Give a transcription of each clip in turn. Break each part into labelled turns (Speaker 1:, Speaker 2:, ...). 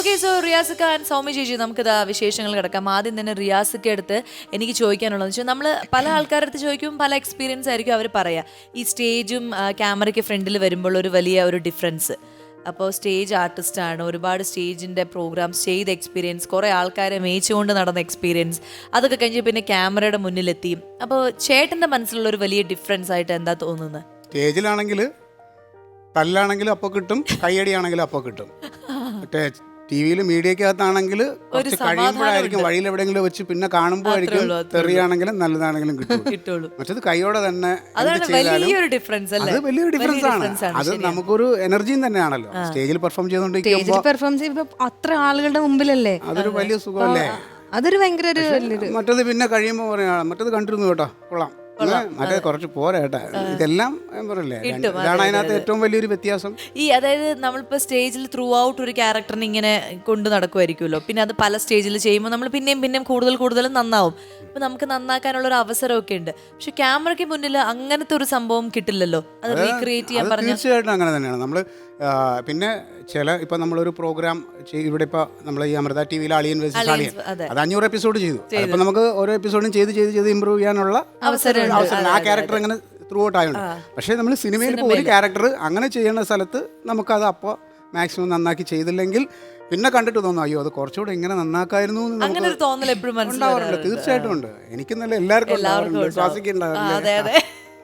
Speaker 1: Okay, so റിയാസിക്ക and Soumya ചേച്ചി, നമുക്കിതാ വിശേഷങ്ങൾ കിടക്കാം. ആദ്യം തന്നെ റിയാസിക്ക അടുത്ത് എനിക്ക് ചോദിക്കാനുള്ളതെന്ന് വെച്ചാൽ, നമ്മൾ പല ആൾക്കാരുടെ അടുത്ത് ചോദിക്കും, പല എക്സ്പീരിയൻസ് ആയിരിക്കും അവർ പറയാ. ഈ സ്റ്റേജും ക്യാമറയ്ക്ക് ഫ്രണ്ടിൽ വരുമ്പോൾ ഒരു വലിയ ഒരു ഡിഫറൻസ്. അപ്പോൾ സ്റ്റേജ് ആർട്ടിസ്റ്റാണ്, ഒരുപാട് സ്റ്റേജിൻ്റെ പ്രോഗ്രാംസ് ചെയ്ത എക്സ്പീരിയൻസ്, കുറേ ആൾക്കാരെ മേയിച്ചുകൊണ്ട് നടന്ന എക്സ്പീരിയൻസ്, അതൊക്കെ കഴിഞ്ഞ് പിന്നെ ക്യാമറയുടെ മുന്നിലെത്തി. അപ്പോൾ ചേട്ടൻ്റെ മനസ്സിലുള്ള ഒരു വലിയ ഡിഫറൻസ് ആയിട്ട് എന്താ തോന്നുന്നത്?
Speaker 2: സ്റ്റേജിലാണെങ്കിൽ തല്ലാണെങ്കിലും അപ്പോൾ കിട്ടും, കയ്യടിയാണെങ്കിലും അപ്പോൾ കിട്ടും. മറ്റേ ടി വിയിൽ മീഡിയക്കകത്താണെങ്കിൽ കുറച്ച് കഴിയുമ്പോഴായിരിക്കും വഴിയിൽ എവിടെയെങ്കിലും വെച്ച് പിന്നെ കാണുമ്പോഴായിരിക്കും തെറിയാണെങ്കിലും നല്ലതാണെങ്കിലും കിട്ടുള്ളൂ. മറ്റത് കൈയോടെ തന്നെ
Speaker 1: വലിയൊരു ഡിഫറൻസ്
Speaker 2: അത് വലിയൊരു ഡിഫറൻസ് ആണ്. അത് നമുക്കൊരു എനർജിയും തന്നെയാണല്ലോ. സ്റ്റേജിൽ പെർഫോം ചെയ്തുകൊണ്ടിരിക്കുമ്പോൾ
Speaker 3: അത്ര ആളുകളുടെ മുമ്പിലല്ലേ,
Speaker 2: അതൊരു വലിയ സുഖമല്ലേ.
Speaker 3: അതൊരു ഭയങ്കര
Speaker 2: മറ്റത് പിന്നെ കഴിയുമ്പോൾ പറയാ മറ്റത് കണ്ടിരുന്നു കേട്ടോ, കൊള്ളാം, മറ്റേ കുറച്ച് പോരാ കേട്ടാ, ഇതെല്ലാം പറയല്ലേ. ഇതാണ് അതിനകത്ത് ഏറ്റവും വലിയൊരു വ്യത്യാസം.
Speaker 1: ഈ അതായത് നമ്മളിപ്പോൾ സ്റ്റേജിൽ ത്രൂ ഔട്ട് ഒരു ക്യാരക്ടറിനെ ഇങ്ങനെ കൊണ്ടു നടക്കുമായിരിക്കുമല്ലോ, പിന്നെ അത് പല സ്റ്റേജിൽ ചെയ്യുമ്പോൾ നമ്മൾ പിന്നെയും കൂടുതൽ നന്നാവും. അപ്പൊ നമുക്ക് നന്നാക്കാനുള്ള ഒരു അവസരമൊക്കെ ഉണ്ട്. പക്ഷെ ക്യാമറയ്ക്ക് മുന്നിൽ അങ്ങനത്തെ ഒരു സംഭവം കിട്ടില്ലല്ലോ, അത് റീക്രിയേറ്റ് ചെയ്യാൻ പറഞ്ഞാൽ.
Speaker 2: തീർച്ചയായിട്ടും അങ്ങനെ തന്നെയാണ്. നമ്മൾ പിന്നെ ഇപ്പം നമ്മളൊരു പ്രോഗ്രാം ഇവിടെ ഇപ്പോൾ നമ്മൾ ഈ അമൃത ടി വിയിൽ അളിയൻ വേഴ്സസ് അളിയൻ, അത് 500 എപ്പിസോഡ് ചെയ്തു. അപ്പം നമുക്ക് ഓരോ എപ്പിസോഡും ചെയ്ത് ഇമ്പ്രൂവ് ചെയ്യാനുള്ള അവസരം ആ ക്യാരക്ടർ അങ്ങനെ ത്രൂ ഔട്ട് ആയതുകൊണ്ട്. പക്ഷേ നമ്മൾ സിനിമയിൽ ഇപ്പോൾ ഒരു ക്യാരക്ടർ അങ്ങനെ ചെയ്യുന്ന സ്ഥലത്ത് നമുക്കത് അപ്പോൾ മാക്സിമം നന്നാക്കി ചെയ്തില്ലെങ്കിൽ പിന്നെ കണ്ടിട്ട് തോന്നും, അയ്യോ അത് കുറച്ചുകൂടെ ഇങ്ങനെ നന്നാക്കായിരുന്നു
Speaker 1: അങ്ങനെ ഒരു തോന്നൽ എപ്പോഴും
Speaker 2: ഉണ്ടാവാറുണ്ട്. തീർച്ചയായിട്ടും ഉണ്ട്. എനിക്കെന്നല്ല, എല്ലാവർക്കും
Speaker 1: അതെ.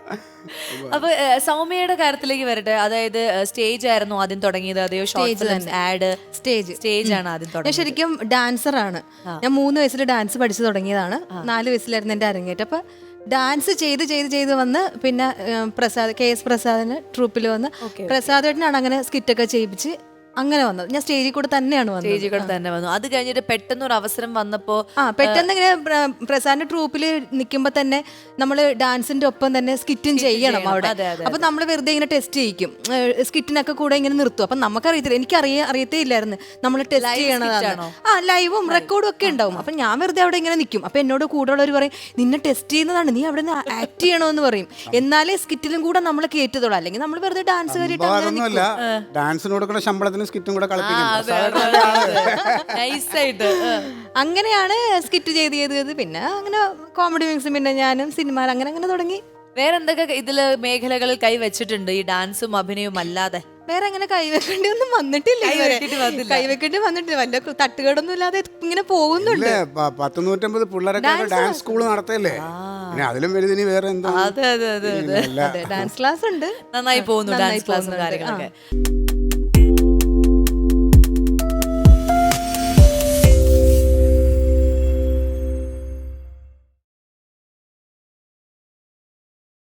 Speaker 1: അപ്പൊ സൗമ്യയുടെ കാര്യത്തിലേക്ക് വരട്ടെ. അതായത് സ്റ്റേജ് ആയിരുന്നു ആദ്യം തുടങ്ങിയത്, അതെയോ ഷോർട്ട് ഫിലിംസ്, ആഡ്? സ്റ്റേജ് ആണ് ആദ്യം തുടങ്ങിയത്.
Speaker 3: ഞാൻ ശരിക്കും ഡാൻസറാണ്. ഞാൻ 3 വയസ്സിൽ ഡാൻസ് പഠിച്ചു തുടങ്ങിയതാണ്. 4 വയസ്സിലായിരുന്നു എൻ്റെ അരങ്ങേറ്റം. അപ്പൊ ഡാൻസ് ചെയ്ത് വന്ന് പിന്നെ KS പ്രസാദിന് ട്രൂപ്പിൽ വന്ന് പ്രസാദേട്ടനാണ് അങ്ങനെ സ്കിറ്റൊക്കെ ചെയ്യിപ്പിച്ച് അങ്ങനെ വന്നത്. ഞാൻ സ്റ്റേജിൽ കൂടെ തന്നെയാണ്
Speaker 1: വന്നു. അത് കഴിഞ്ഞിട്ട് പെട്ടെന്ന് ഒരു അവസരം വന്നപ്പോ
Speaker 3: പെട്ടെന്ന് ഇങ്ങനെ പ്രസാദിന്റെ ട്രൂപ്പിൽ നിൽക്കുമ്പോ തന്നെ നമ്മൾ ഡാൻസിന്റെ ഒപ്പം തന്നെ സ്കിറ്റും ചെയ്യണം അവിടെ. അപ്പൊ നമ്മൾ വെറുതെ ഇങ്ങനെ ടെസ്റ്റ് ചെയ്യിക്കും, സ്കിറ്റിനൊക്കെ കൂടെ ഇങ്ങനെ നിർത്തും. അപ്പൊ നമുക്കറിയത്തില്ല, എനിക്ക് അറിയത്തേ ഇല്ലായിരുന്നു നമ്മൾ ടെസ്റ്റ് ചെയ്യണതാണ്. ലൈവും റെക്കോർഡും ഒക്കെ ഉണ്ടാവും. അപ്പൊ ഞാൻ വെറുതെ അവിടെ ഇങ്ങനെ നിൽക്കും. അപ്പൊ എന്നോട് കൂടെ ഉള്ളവർ പറയും, നിന്നെ ടെസ്റ്റ് ചെയ്യുന്നതാണ്, നീ അവിടെ നിന്ന് ആക്ട് ചെയ്യണമെന്ന് പറയും. എന്നാലേ സ്കിറ്റിലും കൂടെ നമ്മൾ കേറ്റതുള്ളൂ, അല്ലെങ്കിൽ നമ്മൾ വെറുതെ ഡാൻസ്
Speaker 2: ഡാൻസിന് കൊടുക്കുന്ന ശമ്പളത്തിന് സ്കിറ്റും കൂടെ
Speaker 3: അങ്ങനെയാണ് സ്കിറ്റ് ചെയ്ത് പിന്നെ അങ്ങനെ കോമഡി മിക്സും പിന്നെ ഞാനും സിനിമ അങ്ങനെ തുടങ്ങി.
Speaker 1: വേറെ എന്തൊക്കെ ഇതില് മേഖലകളിൽ കൈവച്ചിട്ടുണ്ട് ഈ ഡാൻസും അഭിനയവും അല്ലാതെ?
Speaker 3: വേറെ അങ്ങനെ കൈവെക്കേണ്ടി ഒന്നും വന്നിട്ടില്ല. കൈവെക്കേണ്ടി വന്നിട്ടില്ല, വല്ല തട്ടുകേടൊന്നും ഇല്ലാതെ ഇങ്ങനെ പോകുന്നുണ്ട്.
Speaker 2: 150 പിള്ളേരൊക്കെ ഡാൻസ് സ്കൂൾ നടത്തല്ലേ, അതിലും വലുതിനി വേറെ എന്താ.
Speaker 3: ഡാൻസ് ക്ലാസ് ഉണ്ട്,
Speaker 1: നന്നായി പോകുന്നു ഡാൻസ് ക്ലാസ്സും കാര്യങ്ങളൊക്കെ.